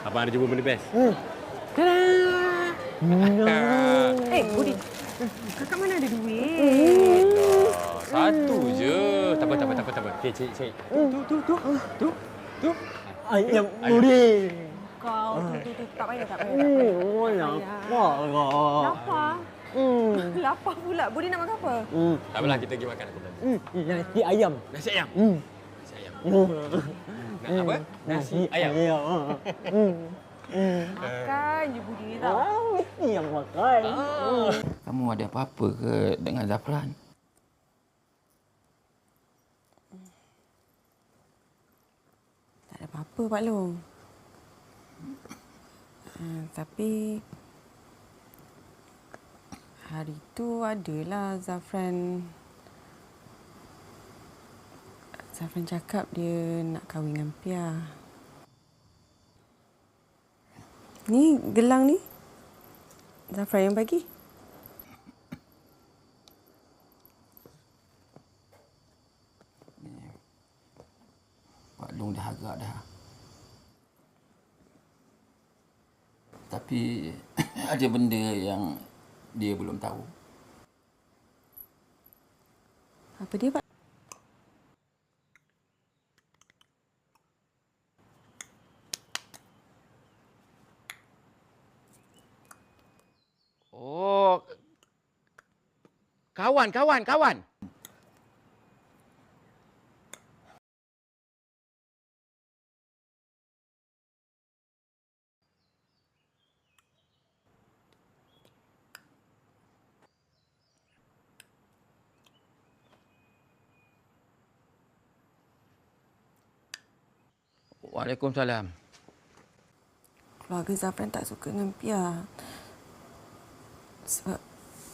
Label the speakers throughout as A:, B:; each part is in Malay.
A: Abang ada jumpa benda best.
B: Budi. Kakak mana ada duit?
A: Satu je. Tak apa. Okey, cik. Tu.
C: Ayam Budi.
B: Kau tu. Tak payah.
C: Lapar.
B: Lapar? Lapar pula. Budi nak makan apa?
A: Tak apalah, kita pergi makan.
C: Nasi ayam.
A: Nasi ayam. Nak apa?
C: Nasi
A: ayam.
B: Makan je Budi tau.
C: Mesti yang makan.
D: Kamu ada apa-apa ke dengan Zafran?
B: Tak ada apa-apa, Pak Long. Tapi hari tu adalah Zafran cakap dia nak kahwin dengan Pia. Ni gelang ni Zafran yang bagi.
D: Pak Long dah agak dah. Tapi ada benda yang dia belum tahu.
B: Apa dia, Pak?
A: Oh. Kawan. Waalaikumsalam.
B: Keluarga Zafran tak suka dengan Pia. Sebab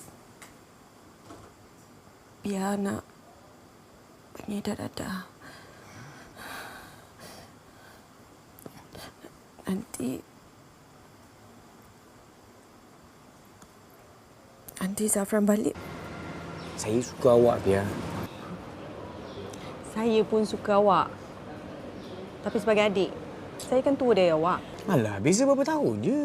B: Pia nak pengedar dadah. Nanti Zafran balik.
E: Saya suka awak, Pia.
B: Saya pun suka awak. Tapi sebagai adik, saya kan tua dari awak.
E: Alah, beza berapa tahun je.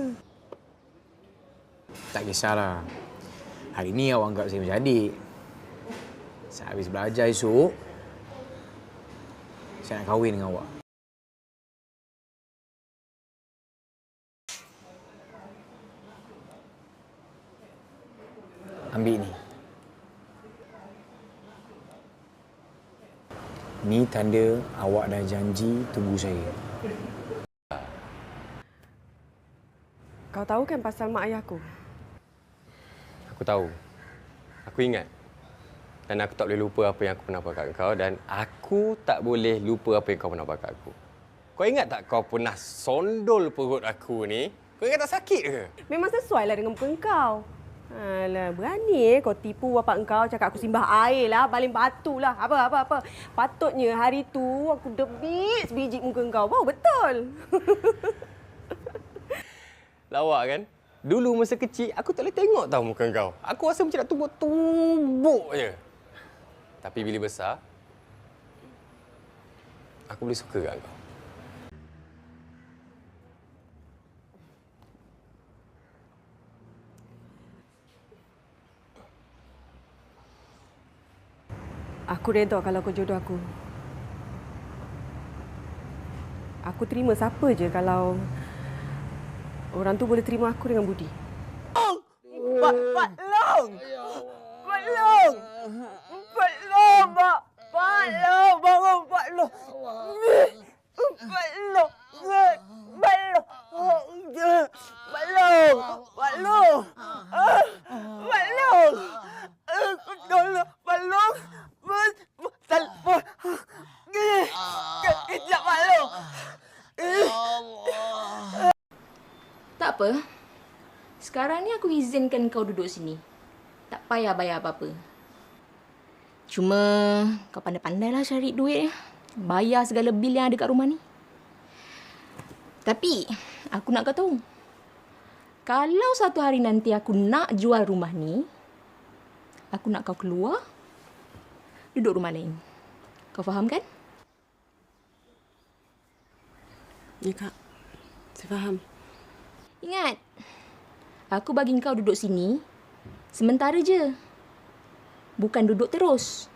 E: Tak kisahlah. Hari ni awak anggap saya macam adik. Saya habis belajar esok, saya nak kahwin dengan awak. Ambil ni. Ni tanda awak dah janji tunggu saya.
B: Kau tahu kan pasal mak ayah aku?
A: Aku tahu. Aku ingat. Dan aku tak boleh lupa apa yang aku pernah buat kat kau. Dan aku tak boleh lupa apa yang kau pernah buat kat aku. Kau ingat tak kau pernah sondol perut aku ni? Kau ingat tak sakit ke?
B: Memang sesuai lah dengan muka kau. Alah, berani kau tipu bapak kau cakap aku simbah air lah, baling batu lah. Apa. Patutnya hari tu aku debit sebiji muka kau. Wow, betul.
A: Lawak kan? Dulu masa kecil, aku tak boleh tengok tau muka kau. Aku rasa macam nak tumbuk je. Tapi bila besar, aku boleh suka kat kau.
B: Aku redha kalau kau jodoh aku. Aku terima siapa je kalau orang tu boleh terima aku dengan budi.
C: Pak Long! Pak Long! Pak Long, Pak! Pak Long! Bangun, Pak Long! Pak Long! Pak Long! Pak Long! Pak Long! Pak Long! Tolong, Pak Long! Telefon! Kejap, Pak Long!
F: Tak apa. Sekarang ni aku izinkan kau duduk sini. Tak payah bayar apa-apa. Cuma kau pandai-pandailah cari duit. Bayar segala bil yang ada kat rumah ni. Tapi aku nak kau tahu. Kalau satu hari nanti aku nak jual rumah ni, aku nak kau keluar, duduk rumah lain. Kau faham kan?
B: Ya, Kak. Saya faham.
F: Ingat, aku bagi kau duduk sini sementara je. Bukan duduk terus.